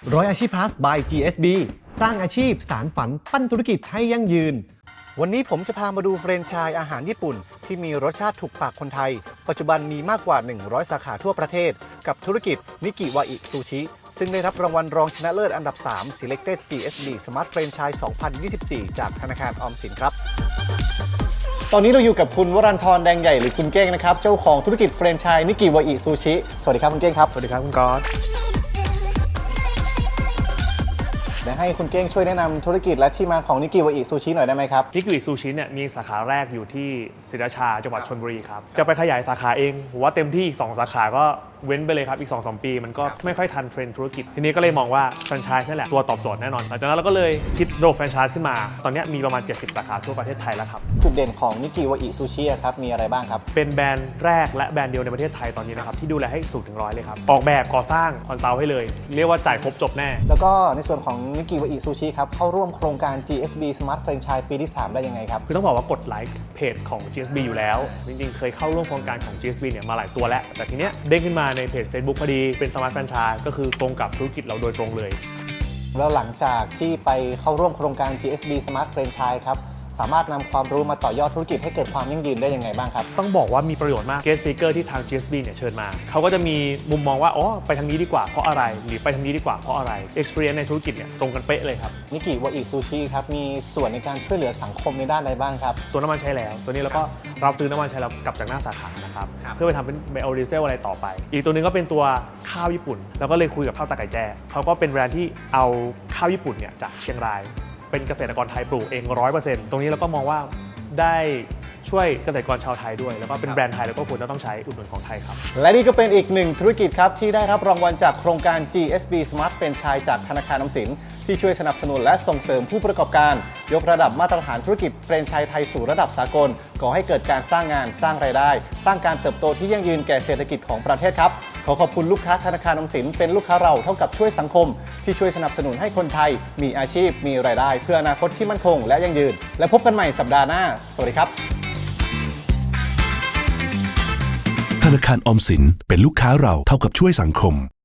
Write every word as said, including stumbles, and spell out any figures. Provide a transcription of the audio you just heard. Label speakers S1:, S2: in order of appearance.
S1: ร้อยอาชีพ plus by จี เอส บี สร้างอาชีพสารฝันปั้นธุรกิจให้ยั่งยืนวันนี้ผมจะพามาดูแฟรนไชส์อาหารญี่ปุ่นที่มีรสชาติถูกปากคนไทยปัจจุบันมีมากกว่าหนึ่งร้อยสาขาทั่วประเทศกับธุรกิจนิกิวาอิซูชิซึ่งได้รับรางวัลรองชนะเลิศอันดับ สาม Selected จี เอส บี Smart Franchise สองพันยี่สิบสี่ จากธนาคารออมสินครับตอนนี้เราอยู่กับคุณวรัญชรแดงใหญ่หรือคุณเก้งนะครับเจ้าของธุรกิจแฟรนไชส์นิกิวาอิซูชิสวัสดีครับคุณเก้งครับ
S2: สวัสดีครับคุณก๊อต
S1: เดี๋ยวให้คุณเก้งช่วยแนะนำธุรกิจและที่มาของนิกิวาอิซูชิหน่อยได้ไหมครับ
S2: นิกิวาอิซูชิเนี่ยมีสาขาแรกอยู่ที่ศรีราชาจังหวัดชลบุรีครับจะไปขยายสาขาเองผมว่าเต็มที่อีกสองสาขาก็เว้นไปเลยครับอีก สองถึงสาม ปีมันก็ไม่ค่อยทันเทรนด์ธุรกิจทีนี้ก็เลยมองว่าแฟรนไชส์นั่นแหละตัวตอบโจทย์แน่นอนหลังจากนั้นเราก็เลยคิดระบบแฟรนไชส์ขึ้นมาตอนนี้มีประมาณเจ็ดสิบสาขาทั่วประเทศไทยแล้วครับ
S1: จุดเด่นของนิกิวาอิซูชิครับมีอะไรบ้างครับ
S2: เป็นแบรนด์แรกและแบรนด์เดียวในประเทศไทยตอนนี้นะครับที่ดูแลให้สูงถึงร้อยเลยครับออกแบบก่อสร้างคอนซัลท์ให้เลยเรียกว่าจ่ายครบจบแน่
S1: แล้วก็ในส่วนของนิกิวาอิซูชิครับเข้าร่วมโครงการ จี เอส บี Smart Franchise ปีที่สามได้ยังไงครับ
S2: คือต้องบอกว่ากดไลค์เพจของ จี เอส บี อยู่แล้วจริงๆเคยเข้าร่วมโครงการของ จี เอส บี เนี่ยมาหลายตัวแล้วแต่ทีเนี้ยเด้งขึ้นมาในเพจ Facebook พอดีเป็น Smart Franchise ก็คือตรงกับธุรกิจเราโดยตรงเลย
S1: แล้วหลังจากที่ไปเข้าร่วมโครงการ จี เอส บี Smart Franchise ครับสามารถนำความรู้มาต่อยอดธุรกิจให้เกิดความยั่งยืนได้ยังไงบ้างครับ
S2: ต้องบอกว่ามีประโยชน์มาก Guest Speaker ที่ทาง จี เอส บี เนี่ยเชิญมาเขาก็จะมีมุมมองว่าอ๋อไปทางนี้ดีกว่าเพราะอะไรหรือไปทางนี้ดีกว่าเพราะอะไร Experience ในธุรกิจเนี่ยตรงกันเป๊ะเลยครับ
S1: นิกิวาอิซูชิครับมีส่วนในการช่วยเหลือสังคมในด้านใดบ้างครับ
S2: ตัวน้ำมันใช้แล้วตัวนี้เราก็รับซื้อน้ำมันใช้แล้วกลับจากหน้าสาขานะครับเพื่อไปทำเป็นไบโอดีเซลอะไรต่อไปอีกตัวนึงก็เป็นตัวข้าวญี่ปุ่นแล้วก็เลยคุยกับข้าวตาไก่แจ้เขาก็เป็นแบรนด์ที่เอาข้าวญี่ปุ่นเนี่ยจากเชียงรายเป็นเกษตรกรไทยปลูกเอง ร้อยเปอร์เซ็นต์ ตรงนี้เราก็มองว่าได้ช่วยเกษตรกรชาวไทยด้วยแล้วก็เป็นแบรนด์ไทยแล้วก็ควรจะต้องใช้อุดหนุนของไทยครับ
S1: และนี่ก็เป็นอีกหนึ่งธุรกิจครับที่ได้รับรางวัลจากโครงการ จี เอส บี Smart Franchise จากธนาคารออมสินที่ช่วยสนับสนุนและส่งเสริมผู้ประกอบการยกระดับมาตรฐานธุรกิจแฟรนไชส์ไทยสู่ระดับสากลก่อให้เกิดการสร้างงานสร้างรายได้สร้างการเติบโตที่ยั่งยืนแก่เศรษฐกิจของประเทศครับขอขอบคุณลูกค้าธนาคารออมสินเป็นลูกค้าเราเท่ากับช่วยสังคมที่ช่วยสนับสนุนให้คนไทยมีอาชีพมีรายได้เพื่ออนาคตที่มั่นคงและยั่งยืนและพบกันใหม่สัปดาห์หน้าสวัสดีครับ
S3: ธนาคารออมสินเป็นลูกค้าเราเท่ากับช่วยสังคม